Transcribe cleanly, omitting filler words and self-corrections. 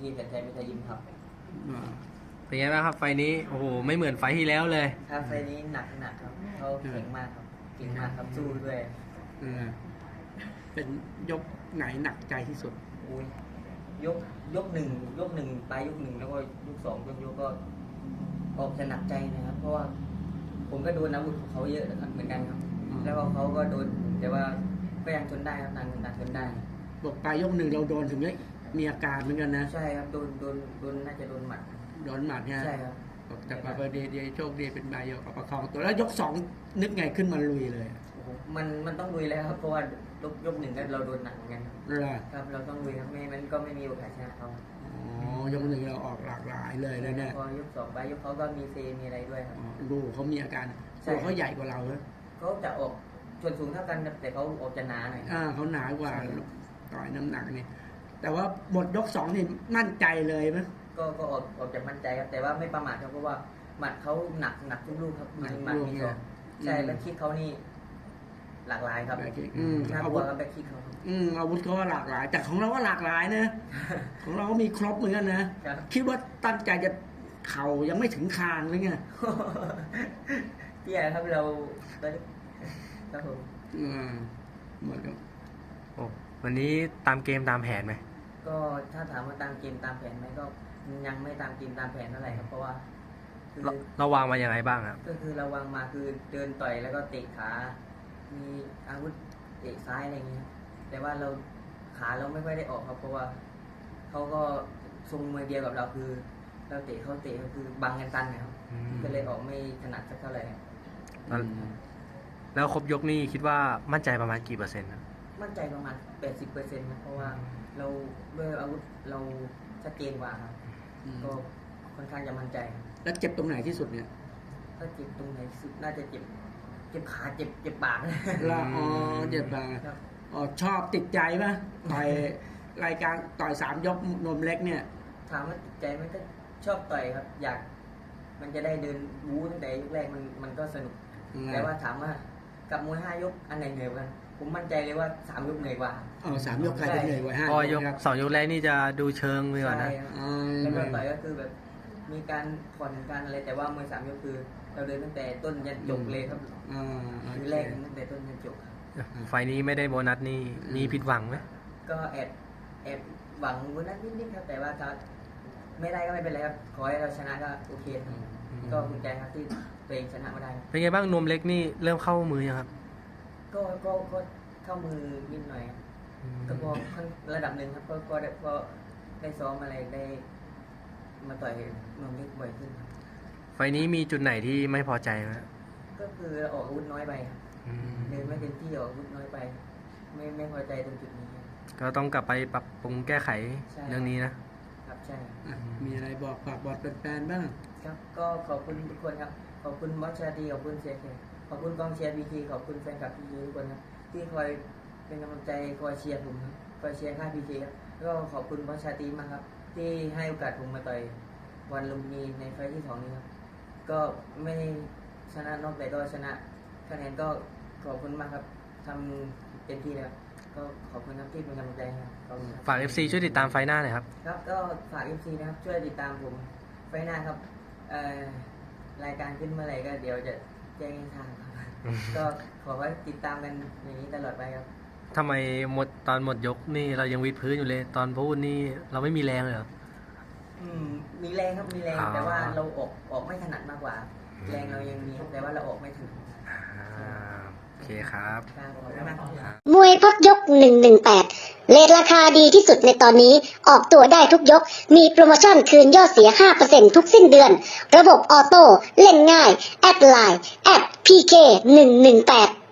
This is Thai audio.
พีแสนชัยมิตรยิมครับเป็นไงบ้างครับไฟนี้โอ้โหไม่เหมือนไฟที่แล้วเลยครับไฟนี้หนักครับเขาเก่งมากครับเก่งมากครับสู้ด้วยเป็นยกไหนหนักใจที่สุดอุ้ยยกหนึ่งปลายยกหนึ่งแล้วก็ยกสองยกก็ออกจะหนักใจนะครับเพราะว่าผมก็โดนอาวุธของเขาเยอะเหมือนกันครับแล้วก็เขาก็โดนแต่ว่าก็ยังทนได้ครับต่างทนได้บอกปลายยกหนึ่งเราโดนถึงมีอาการเหมือนกันนะใช่ครับโดนน่าจะโดนหมัดเนี่ยใช่ครับแต่พอดีโชคดีเป็นบายยกประคองตัวแล้วยกสองนึกไงขึ้นมาลุยเลยมันต้องลุยแล้วครับเพราะว่ายกหนึ่งก็เราโดนหนักเหมือนกันครับเราต้องลุยครับไม่ก็ไม่มีโอกาสชนะเขายกหนึ่งเราออกหลากหลายเลยเนี่ยพอยกสองไปยกเขาก็มีเซมีอะไรด้วยครับดูเขามีอาการตัวเขาใหญ่กว่าเราเลยเขาจะออกส่วนสูงเท่ากันแต่เขาออกจะหนาหน่อยเขาหนากว่าต่อยน้ำหนักนี่แต่ว่าหมดยกสองนี่มั่นใจเลยไหมก็ออกจากมั่นใจครับแต่ว่าไม่ประมาทครับเพราะว่าหมัดเขาหนักทุกลูกครับมีหมัดมีศอกใช่แล้วคิดเขานี่หลากหลายครับน่ากลัวครับแบ็คคิกเขาอาวุธเขาหลากหลายแต่ของเราก็หลากหลายนะของเราก็มีครบเหมือนกันนะคิดว่าตั้งใจจะเข่ายังไม่ถึงคางเลยไงเตี้ยครับเราครับผมหมดครับวันนี้ตามเกมตามแผนไหมก็ถ้าถามว่าตามเกมตามแผนไหมก็ยังไม่ตามเกมตามแผนเท่าไหร่ครับเพราะว่าเราวางมาอย่างไรบ้างครับก็คือเราวางมาคือเดินต่อยแล้วก็เตะขามีอาวุธเตะซ้ายอะไรอย่างเงี้ยแต่ว่าเราขาเราไม่ค่อยได้ออกครับเพราะว่าเขาก็ทรงมือเดียวกับเราคือเราเตะเขาเตะก็คือบังกันตันนะครับก็เลยออกไม่ถนัดสักเท่าไหร่แล้วครบยกนี่คิดว่ามั่นใจประมาณกี่เปอร์เซ็นต์มั่นใจประมาณ 80%นะเพราะว่าเราด้วยอาวุธเราชัดเจนกว่าครับก็ค่อนข้างจะมั่นใจแล้วเจ็บตรงไหนที่สุดเนี่ยถ้าเจ็บตรงไหนสุดน่าจะเจ็บขาเจ็บปากละเจ็บปากชอบติดใจป่ะต่อยรายการต่อย3 ยกนมเล็กเนี่ยถามว่าติดใจมันก็ชอบต่อยครับอยากมันจะได้เดินบู๊ตั้งแต่ยกแรกมันก็สนุกแต่ว่าถามว่ากับมวย5 ยกอันไหนเหนื่อยกันผมมั่นใจเลยว่า3 ยกเหนื่อยกว่า 3 ยกใครจะเหนื่อยกว่า5 ยก2 ยกแรกนี่จะดูเชิงไปก่อนนะแล้วก็ต่อยก็คือแบบมีการผ่อนการอะไรแต่ว่ามวย3 ยกคือเราเดินตั้งแต่ต้นยันจบเลยครับคือแรกตั้งแต่ต้นยันจบไฟนี้ไม่ได้โบนัสนี่มีผิดหวังไหมก็แอบหวังโบนัสนิดๆครับแต่ว่าถ้าไม่ได้ก็ไม่เป็นไรครับขอให้เราชนะก็โอเคก็ภูมิใจครับที่ตัวเองชนะมาได้เป็นไงบ้างนวมเล็กนี่เริ่มเข้ามือยังครับก็เข้ามือนิดหน่อยก็พอระดับหนึ่งครับก็ได้ซ้อมอะไรได้มาต่อยนวมเล็กบ่อยขึ้นไฟนี้มีจุดไหนที่ไม่พอใจไหมก็คือออกอาวุธน้อยไปเดินไม่เต็มที่ออกอาวุธน้อยไปไม่พอใจตรงจุดนี้ก็ต้องกลับไปปรับปรุงแก้ไขเรื่องนี้นะครับใช่มีอะไรฝากบอดแฟนๆบ้างครับก็ขอบคุณทุกคนครับขอบคุณบอสชาดีขอบคุณเซียเคขอบคุณกองเชียร์พีทีขอบคุณแฟนคลับพีทีทุกคนนะที่คอยเป็นกำลังใจคอยเชียร์ผมคอยเชียร์ค่ายพีทีครับก็ขอบคุณบอสชาดีมากครับที่ให้โอกาสผมมาต่อยวันลุมพินีในไฟที่2นี้ครับก็ไม่ชนะนอกแต่ก็ชนะคะแนนก็ขอบคุณมากครับทำเต็มที่แล้วก็ขอบคุณครับที่เป็นกำลังใจครับฝาก FC ช่วยติดตามไฟหน้าหน่อยครับครับก็ฝาก FC นะครับช่วยติดตามผมไฟหน้าครับรายการขึ้นเมื่อไหร่ก็เดี๋ยวจะแจ้งทางครับก็ขอให้ติดตามกันอย่างนี้ตลอดไปครับทำไมตอนหมดยกนี่เรายังวิดพื้นอยู่เลยตอนพูดนี่เราไม่มีแรงเลยเหรอมีแรงครับมีแรงแต่ว่าเราออกไม่ถนัดมากกว่าแรงเรายังมีแต่ว่าเราออกไม่ถึงโอเคครับมวยพักยก118เรทราคาดีที่สุดในตอนนี้ออกตัวได้ทุกยกมีโปรโมชั่นคืนยอดเสีย 5% ทุกสิ้นเดือนระบบออโต้เล่นง่ายแอดไลน์PK118